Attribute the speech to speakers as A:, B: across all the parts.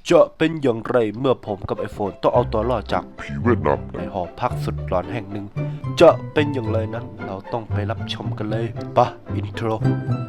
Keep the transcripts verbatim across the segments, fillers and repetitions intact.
A: จะเป็นอย่างไรเมื่อผมกับไอโฟนต้องเอาตัวรอดจาก
B: ผีเวียดนาม
A: ในหอพักสุดหลอนแห่งหนึ่งจะเป็นอย่างไรนั้นเราต้องไปรับชมกันเลยปะอินโทร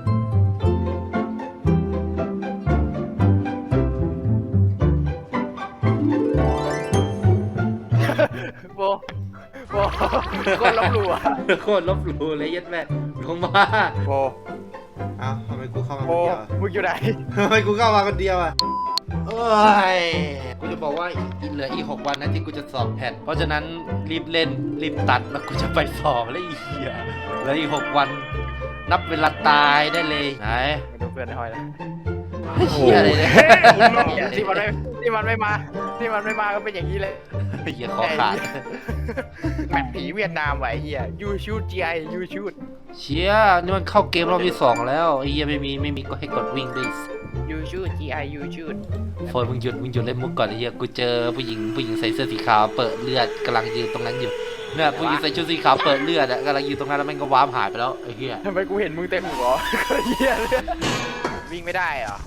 C: โบโบคนลบหลู่อะ
A: โคตรลบหลู่เลยยัดแม่ลงมา
C: โบ
A: อ้าวทำไมกูเข้ามา
C: โบ
A: คนเดียว
C: มึงอยู่ไหน
A: ทำไมกูเข้ามาคนเดียวอ่ะเอ้ยกูจะบอกว่าอีกเหลืออีกหกวันนะที่กูจะสอบแพทเพราะฉะนั้นรีบเล่นรีบตัดแล้วกูจะไปสอบแล้วอีเหี้ยเหลืออีกหกวันนับเวลาตายได้เลยไหน
C: ไม่ดูเพื่อนในหอยแล้ว
A: เหี้ยอะไรเนี่ย
C: ที่มันไม่ที่มันไม่มาที่มันไม่มาก็เป็นอย่างนี้เลย
A: เหี้ยคอขาด
C: แมปผีเวียดนามไว้เฮียยูชูดจีไอยูชูด
A: เชี่ยนี่มันเข้าเกมรอบที่สองแล้วไอ้เหี้ยไม่มีไม่มีก็ให้กดวิ่งด้วย
C: ยูชูดจีไอยูชูด
A: โฟนมึงหยุดมึงหยุดเล่นมุกก่อนไอ้เหี้ยกูเจอผู้หญิงผู้หญิงใส่เสื้อสีขาวเปิดเลือดกำลังยืนตรงนั้นอยู่เนี่ยผู้หญิงใส่ชุดสีขาวเปิดเลือดอะกำลังยืนตรงนั้นแล้วแม่งก็ว้าร์ปหายไปแล้วไอ้เหี้ย
C: ทำไมกูเห็นมึงเต็มหัวเฮียเลยวิ่งไม่ได้เหรอ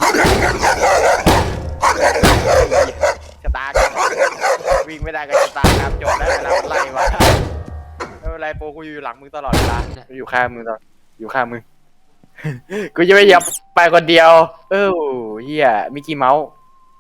C: ชะตากรรมวิ่งไม่ได้ก็ชะตากรรมจบแล้วเวลามันไล่มาไม่เป็นไรโปกูอยู่หลังมึงตลอดเวลากูอยู่ข้างมึงตลอดอยู่ข้างมึง กูจะไม่ยอมไปคนเดียว เออเฮียมิกกี้เมาส์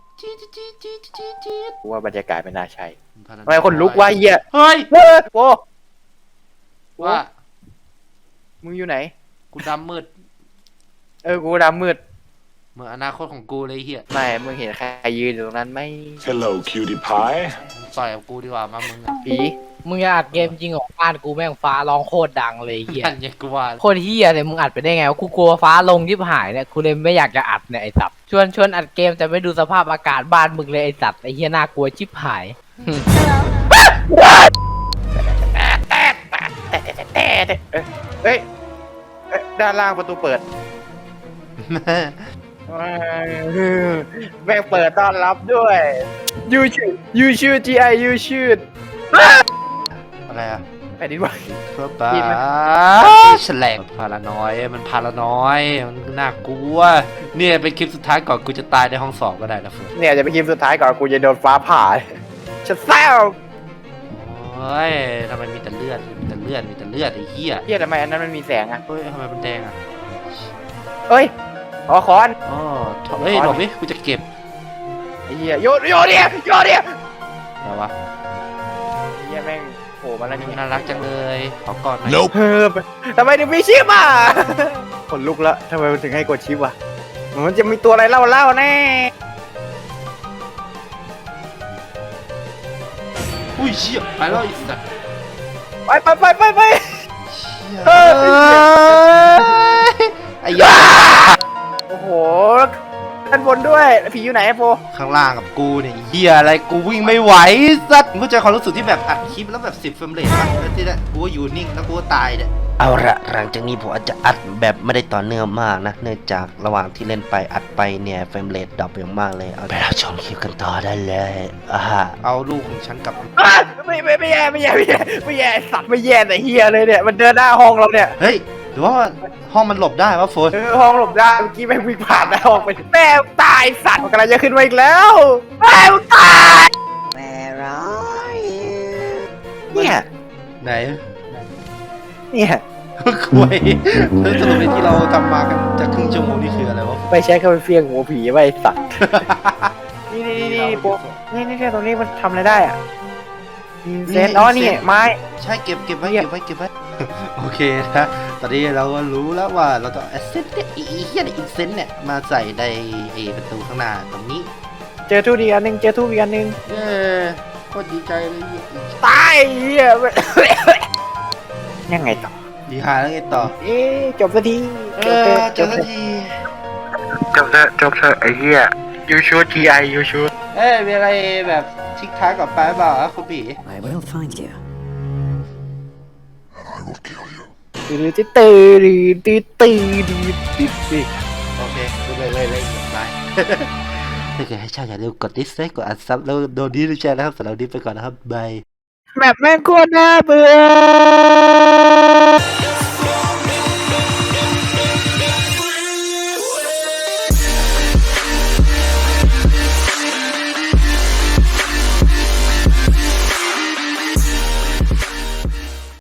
C: กูว่าบรรยากาศไม่น่าใช่ทำไมคนลุกวะเฮีย
A: เฮ้ย
C: เฮ้ยโป
A: ว่า
C: มึงอยู่ไหน
A: กูดำมืด
C: เออ กูดำมืด
A: เหมือนอนาคตของกูเลยไอ้เหี้ย
C: ไม่ มึงเห็นใครยืนอยู่ตรงนั้นไหม
B: Hello cutie pie
A: มึงต่อยกับกูดีกว่ามามึงอะ
C: ผี
D: มึงจะอัดเกมจริงเหรอบ้านกูแม่งฟ้าร้องโคตรดังเลยเฮีย
A: นั่นไงกูว่า
D: โคตรเฮียเลยมึงอัดไปได้ไงวะกูกลัวฟ้าลงยิบหายเนี่ยกูเลยไม่อยากจะอัดเนี่ยไอ้สัตว์ชวนชวนอัดเกมแต่ไม่ดูสภาพอากาศบ้านมึงเลยไอ้สัตว์ไอ้เฮียน่ากลัวชิบหาย
C: แต่เอ้ยเอ้ยเอ้ยด้านล่างประตูเปิดแม่งเปิดต้อนรับด้วยยูชื่อยูชื่อ จี ไอ ยูชื่อ
A: อะไรอะ
C: แผ่นดินไหว
A: เพื่อป้าแฉลงพารานอยมันพารานอยมันน่ากลัวเนี่ยเป็นคลิปสุดท้ายก่อนกูจะตายในห้องสอบก็ได้นะเฟิร์น
C: เนี่ยจะเป็นคลิปสุดท้ายก่อนกูจะโดนฟ้าผ่าฉันแซว
A: โอ้ยทำไมมีแต่เลือดมีแต่เลือดมีแต่เลือดไอ้เหี้ย
C: เฮียทำไมอันนั้นมันมีแสงอ่ะ
A: เฮ้ยทำไมมันแดงอะ
C: เอ้ยขอคอน
A: อ๋อเฮ้ยหลบดิกูจะเก็บ
C: ไอ้เฮียโยนโยนเนี่ยโยนเนี่ย
A: อะไรวะ
C: เฮียแม่งโผล่มาแล้วนี่
A: น่ารักจังเลยขอก่อนหน่อย
C: เออทำไมถึงมีชิปอ่ะขนลุกแล้วทำไมมันถึงให้กดชิปอ่ะมันจะมีตัวอะไรเล่าเล่าแน่
A: อุ้ยเชี่ยไปแล้วไอ้สัส
C: ไปไปไปไปไป
A: เฮ้ยไอ้ยา
C: โอ้โหด้านบนด้วยผีอยู่ไหนโฟ
A: ข้างล่างกับกูเนี่ยเฮียอะไรกูวิ่งไม่ไหวสัสมึงเข้าใจความรู้สึกที่แบบอัดคลิปแล้วแบบสิบเฟรมเรทป่ะแล้วที่นั่นกูก็อยู่นิ่งแล้วกูก็ตายเนี่ยเอาละหลังจากนี้ผมอาจจะอัดแบบไม่ได้ต่อเนื่องมากนะเนื่องจากระหว่างที่เล่นไปอัดไปเนี่ยเฟรมเรทดรอปอย่างมากเลยเอาไปรับชมคลิปกันต่อได้เลยอ่าเอาลูกของฉันกลับ
C: ไม่ไม่ไม่แย่ไม่แย่ไม่แย่ไม่แย่สัตว์ไม่แย่แต่เฮียเลยเนี่ยมันเดินหน้าห้องเราเนี่ย
A: เฮ้ยหรือว่าห้องมันหลบได้วะโฟน
C: เออห้องหลบได้เมื่อกี้แม่งวิ่งผ่านหน้าห้องไปแม่งตายสัตว์มันกำลังจะขึ้นมาอีกแล้วแม่งตายเนี่ย
A: ไหน
C: เนี่ย
A: คุยแล้วสรุปในที่เราทำมากันจากครึ่งชั่วโมงนี่คืออะไรวะ
C: ไม่ใช่แค่ไปเฟี้ยงหัวผีไว้สัตว์ นี่นี่นี่นี่โป๊ะนี่นี่ตรงนี้มันทำอะไรได้อ่ะเซนอ๋อนี่ไม้
A: ใช่เก็บเก็บไว้เก็บไว้เก็บไว้ โอเคนะตอนนี้เราก็รู้แล้วว่าเราต้องเอาเซนเนี่ยอีเหี้ยอีกเซนเนี่ยมาใส่ในไอ้ประตูข้างหน้าตรงนี้
C: เจอทูบอีกอันหนึ่งเจอทูบอีกอันหนึ่ง
A: เย้โคตรดีใจเลย
C: ตายเหี้ย ยังไงต่อ
A: ดีหาแล้วไงต่อ
C: เอ๊ะจบสักที
A: เอ
C: จบ
A: อ
C: เถอะ
A: เจอสักที
C: จบเถอะจบเถอะไอ้เหี้ยยูชูดทีไอยูชูด
A: เอ้ยมีอะไรแบบทิกทักกับป้าเปล่าอะคุณบี
E: I will find you.
B: I will kill you
C: ตื่นตื่นตื่นตื่นตื่นตื่นตื่น
A: โอเคเลยเลยเลยบาย ถ้าเกิดให้ชอบอย่าลืมกดดิสไลค์กดอัดซับแล้วโดนดีด้วยแชร์นะครับสำหรับวันนี้ไปก่อนนะครับบาย
C: แบบแม่งโคตรน่าเบื่อ